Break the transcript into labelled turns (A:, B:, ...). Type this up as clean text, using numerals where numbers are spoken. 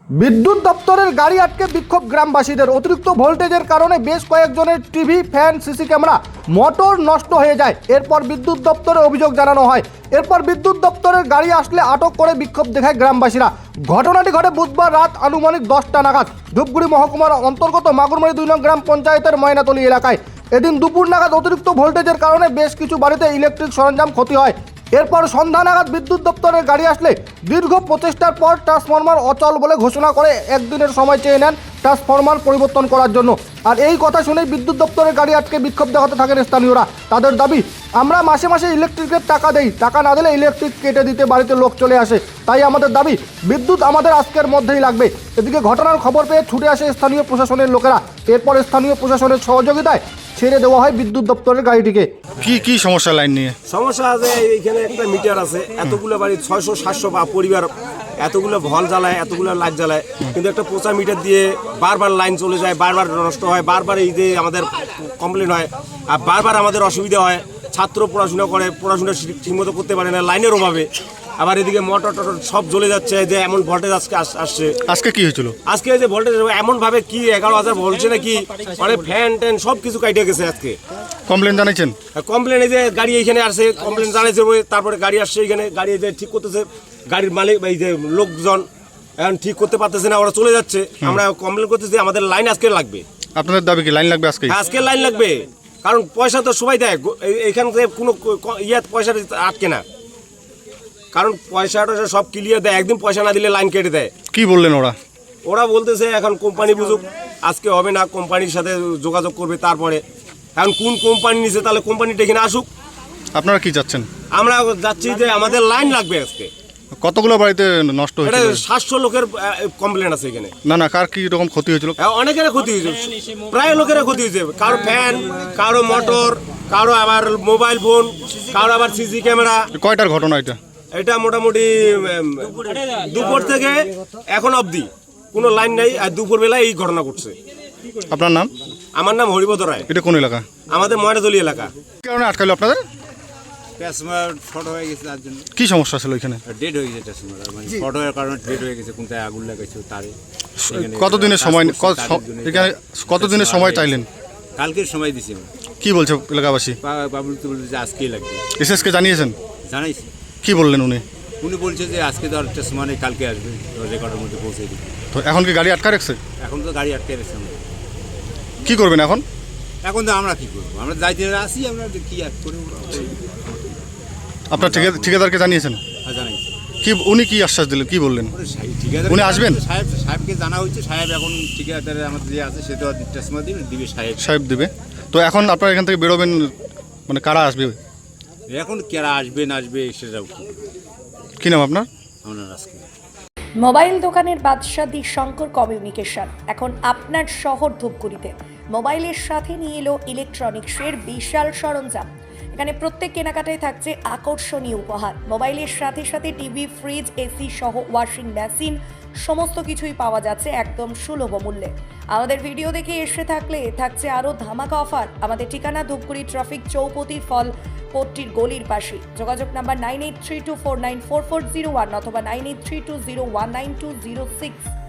A: বিদ্যুৎ দপ্তরের গাড়ি আটকে বিক্ষোভ গ্রামবাসীদের। অতিরিক্ত ভোল্টেজের কারণে বেশ কয়েকজনের TV, fan, CC camera, motor নষ্ট হয়ে যায়। এরপর বিদ্যুৎ দপ্তরে অভিযোগ জানানো হয়। এরপর বিদ্যুৎ দপ্তরের গাড়ি আসলে আটক করে বিক্ষোভ দেখায় গ্রামবাসীরা। ঘটনাটি ঘটে বুধবার রাত আনুমানিক 10টা নাগাদ ধূপগুড়ি মহকুমার অন্তর্গত মাগুরমারি 2 নং গ্রাম পঞ্চায়েতের ময়নাতলী এলাকায়। এদিন দুপুর নাগাদ অতিরিক্ত ভোল্টেজের কারণে বেশ কিছু বাড়িতে ইলেকট্রিক সরঞ্জাম ক্ষতি হয়। এরপর সন্ধ্যা নাগাদ বিদ্যুৎ দপ্তরের গাড়ি আসলে দীর্ঘ প্রচেষ্টার পর ট্রান্সফরমার অচল বলে ঘোষণা করে একদিনের সময় চেয়ে নেন ট্রান্সফরমার পরিবর্তন করার জন্য। আর এই কথা শুনেই বিদ্যুৎ দপ্তরের গাড়ি আটকে বিক্ষোভ দেখাতে থাকেন স্থানীয়রা। তাদের দাবি, আমরা মাসে মাসে ইলেকট্রিকের টাকা দেই, টাকা না দিলে ইলেকট্রিক কেটে দিতে বাড়িতে লোক চলে আসে। তাই আমাদের দাবি, বিদ্যুৎ আমাদের আজকের মধ্যেই লাগবে। এদিকে ঘটনার খবর পেয়ে ছুটে আসে স্থানীয় প্রশাসনের লোকেরা। এরপর স্থানীয় প্রশাসনের সহযোগিতায় ছেড়ে দেওয়া হয় বিদ্যুৎ দপ্তরের গাড়িটিকে।
B: কি সমস্যা লাইন নিয়ে?
C: সমস্যা আছে, এইখানে একটা মিটার আছে, এতগুলো বাড়ি 600-700 বা পরিবার এতগুলো ভল জ্বালায়, এতগুলো লাইট জ্বালায়, কিন্তু একটা পোচা মিটার দিয়ে বারবার লাইন চলে যায়, বারবার নষ্ট হয়, বারবার এই যে আমাদের কমপ্লেন হয়, আর বারবার আমাদের অসুবিধা হয়। ছাত্র পড়াশোনা করে, পড়াশোনা ঠিকমতো করতে পারে না লাইনের অভাবে। আবার এদিকে মোটর টটর সব জ্বলে যাচ্ছে, যে এমন ভোল্টেজ আজকে আসছে।
B: আজকে কি হয়েছিল?
C: আজকে যে ভোল্টেজ এমন ভাবে কি 11,000 বলছে নাকি, অনেক ফ্যান ট্যান সব কিছু কাটিয়ে গেছে। আজকে
B: কমপ্লেন জানাইছেন?
C: কমপ্লেন এই যে গাড়ি এইখানে আসছে, কমপ্লেন জানাইছে, তারপরে গাড়ি আসছে এখানে, গাড়ি যে ঠিক করতেছে, গাড়ির মালিক এই যে লোকজন এখন ঠিক করতে পারতেছে না, ওরা চলে যাচ্ছে। আমরা কমপ্লেন করতেছি আমাদের লাইন আজকে লাগবে।
B: আপনাদের দাবি কি লাইন লাগবে আজকে?
C: আজকে লাইন লাগবে, কারণ পয়সা তো সবাই দেয়, এখান থেকে কোনো পয়সা আটকে না, কারণ পয়সাটা সব ক্লিয়ার দেয়। একদিন পয়সা না দিলে লাইন কেটে দেয়।
B: কি বললেন ওরা?
C: ওরা বলতেছে এখন কোম্পানি বুঝুক, আজকে হবে না, কোম্পানির সাথে যোগাযোগ করবে তারপরে। এখন কোন কোম্পানি নিছে, তাহলে কোম্পানিটা এখানে আসুক।
B: আপনারা কি চাচ্ছেন?
C: আমরা যাচ্ছি যে আমাদের লাইন লাগবে আজকে।
B: কতগুলো বাড়িতে নষ্ট হয়েছে?
C: 700 লোকের কমপ্লেন আছে এখানে।
B: না কার কি রকম ক্ষতি হয়েছিল?
C: অনেকের ক্ষতি হয়েছে, প্রায় লোকের ক্ষতি হয়েছে। কারো ফ্যান, কারো মোটর, কারো আবার মোবাইল ফোন, কারো আবার সিসি ক্যামেরা।
B: কয়টার ঘটনা এটা?
C: এটা মোটামুটি দুপুর থেকে এখন অবধি কোনো লাইন নাই, আর দুপুর বেলায় এই ঘটনা ঘটছে।
B: আপনার নাম?
C: আমার নাম হরিপদ রায়।
B: এটা কোন এলাকা?
C: আমাদের ময়নাতলী এলাকা।
B: কি কারণে আটকালো আপনাদের?
D: ট্রান্সফরমার শর্ট হয়ে গেছে, তার জন্য।
B: কি সমস্যা ছিল এখানে?
D: ডেড হয়ে গেছে ট্রান্সফরমার, মানে শর্ট হওয়ার কারণে ডেড হয়ে গেছে। কোনটায় আগুন লাগাইছে তারে।
B: কতদিনের সময় এখানে কতদিনের সময় চাইলেন?
D: কালকের সময় দিছি আমরা।
B: কি বলছে এলাকাবাসী?
D: বাবুল তো বলছে যে আজকেই লাগবে।
B: এসএসকে জানিয়েছেন?
D: জানাইছি।
B: কি বললেন উনি?
D: উনি বলছে যে আজকে তো আর ট্রান্সফরমার কালকে আসবে, রেকর্ডের মধ্যে পৌঁছে দিবে।
B: তো এখন কি গাড়ি আটকা রাখছে?
D: এখন তো গাড়ি আটকে রেখেছে। আমরা
B: কি করবেন এখন?
D: এখন তো আমরা কি করবো, আমরা দায়িত্বে আসি, আমরা কি আর করবো।
B: আপনার ঠিকাদারকে জানিয়েছেন?
D: জানাইছি।
B: কি উনি কি আশ্বাস দিলেন, কি বললেন? উনি আসবেন?
D: সাহেবকে জানা হয়েছে, সাহেব এখন ঠিকাদারে আমাদের যে আছে সে তো ট্রান্সফরমার দিবে,
B: সাহেব দিবে। তো এখন আপনারা এখান থেকে বেরোবেন, মানে কারা আসবে?
D: এখন কারা আসবে না আসবে সেটাও
B: কি নাম আপনার?
D: আমরা আজকে
E: মোবাইল দোকানের বাদশাহ শঙ্কর কমিউনিকেশন এখন আপনার শহর ধূপগুড়িতে মোবাইলের সাথে নিয়ে এলো ইলেকট্রনিক্সের বিশাল সরঞ্জাম। এখানে প্রত্যেক কেনাকাটায় থাকছে আকর্ষণীয় উপহার। মোবাইলের সাথে সাথে টিভি, ফ্রিজ, এসি সহ ওয়াশিং মেশিন সমস্ত কিছুই পাওয়া যাচ্ছে একদম সুলভ মূল্যে। আমাদের ভিডিও দেখে এসে থাকলে থাকছে আরও ধামাকা অফার। আমাদের ঠিকানা ধূপগুড়ি ট্রাফিক চৌপতি ফল পট্টির গলির পাশে। যোগাযোগ নাম্বার 9832494401 অথবা 9832019206।